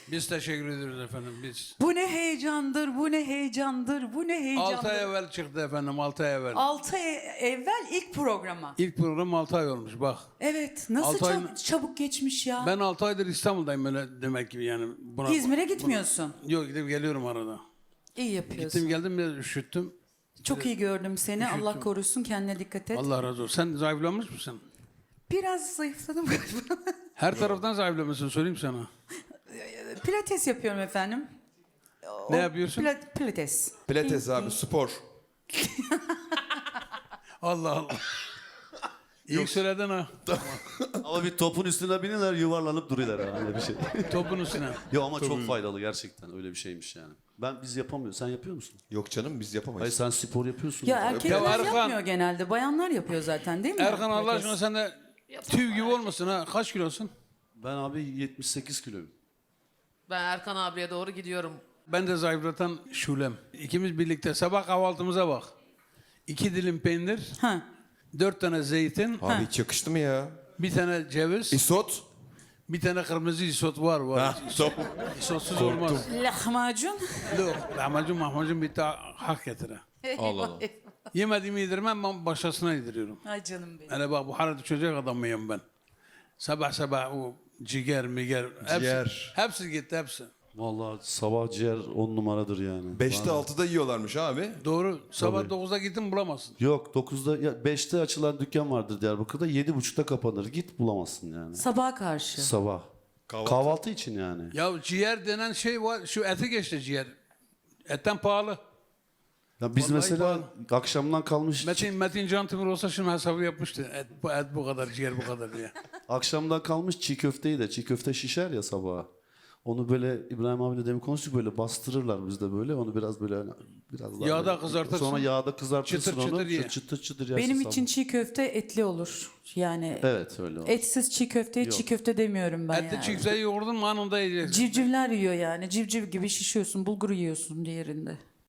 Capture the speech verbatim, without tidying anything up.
Biz teşekkür ediyoruz efendim biz. Bu ne heyecandır, bu ne heyecandır, bu ne heyecandır. altı ay evvel çıktı efendim, altı ay evvel. altı ay evvel ilk programa. İlk program altı ay olmuş bak. Evet, nasıl Altı ay- çab- çabuk geçmiş ya. Ben altı aydır İstanbul'dayım öyle demek gibi yani. Buna, İzmir'e gitmiyorsun. Buna, yok gidip geliyorum arada. İyi yapıyorsun. Gittim geldim biraz üşüttüm. Çok iyi gördüm seni. Üşüttüm. Allah korusun, kendine dikkat et. Allah razı olsun. Sen zayıflamış mısın? Biraz zayıfladım galiba. Her taraftan zayıflamışsın söyleyeyim sana. Pilates yapıyorum efendim. Ne O- yapıyorsun? pila- pilates. Pilates abi spor. Allah Allah. İyi söyledin ha. Ama bir topun üstüne biniler yuvarlanıp duruyorlar ha, öyle bir şey. Topun üstüne. Yo ama çok faydalı gerçekten öyle bir şeymiş yani. Ben biz yapamıyoruz. Sen yapıyor musun? Yok canım biz Hayır yapamayız. sen spor yapıyorsun. Ya erkekler Ya Erkan- yapmıyor genelde. Bayanlar yapıyor zaten değil mi? Erkan Allah Pilates. aşkına sen de tüy gibi olmasın ha. Kaç kilosun? Ben abi yetmiş sekiz kiloyum. Ben Erkan abiye doğru gidiyorum. Ben de zayıflatan Şulem. İkimiz birlikte sabah kahvaltımıza bak. İki dilim peynir, Ha. dört tane zeytin, Abi hiç yakıştı mı ya? bir tane ceviz, İsot. bir tane kırmızı isot var var. Ha, top. İsotsuz olmaz. Lahmacun. Yok, lahmacun mahmacun bir daha hak getire. Allah Allah. Yemediğimi yedirmem, ben başkasına yediriyorum. Ay canım benim. Hele bak bu harada çocuk adamıyım ben. Sabah sabah o ciğer miger, hepsi, Ciğer. hepsi gitti hepsi. Vallahi sabah ciğer on numaradır yani. Beşte Vallahi. altıda yiyorlarmış abi. Doğru, sabah Tabii. dokuzda gittin bulamazsın. Yok dokuzda ya beşte açılan dükkan vardır Diyarbakır'da yedi buçukta kapanır. Git bulamazsın yani. Sabaha karşı. Sabah. Kahvaltı. Kahvaltı için yani. Ya ciğer denen şey var, şu eti geçti ciğer. Etten pahalı. Ya biz Vallahi mesela akşamdan kalmış Metin, Metin Can Timur olsa şunu hesabı yapmıştı. Et, bu, et bu kadar, ciğer bu kadar diye. akşamdan kalmış çiğ köfteyi de çiğ köfte şişer ya sabaha. Onu böyle İbrahim abiyle demin konuştuk böyle bastırırlar bizde böyle onu biraz böyle biraz daha Yağda böyle- kızartırsın. Sonra yağda kızartırsın Çıtır onu. çıtır ye. Çıtır çıtır yersin Benim sabah. için çiğ köfte etli olur. Yani Evet öyle. olur. etsiz çiğ köfteye Yok. çiğ köfte demiyorum ben Etli yani. çiftseyi yoğurdun mu anında yiyeceksin. Civcivler yiyor yani. Civciv gibi şişiyorsun. Bulgur yiyorsun diğerinde.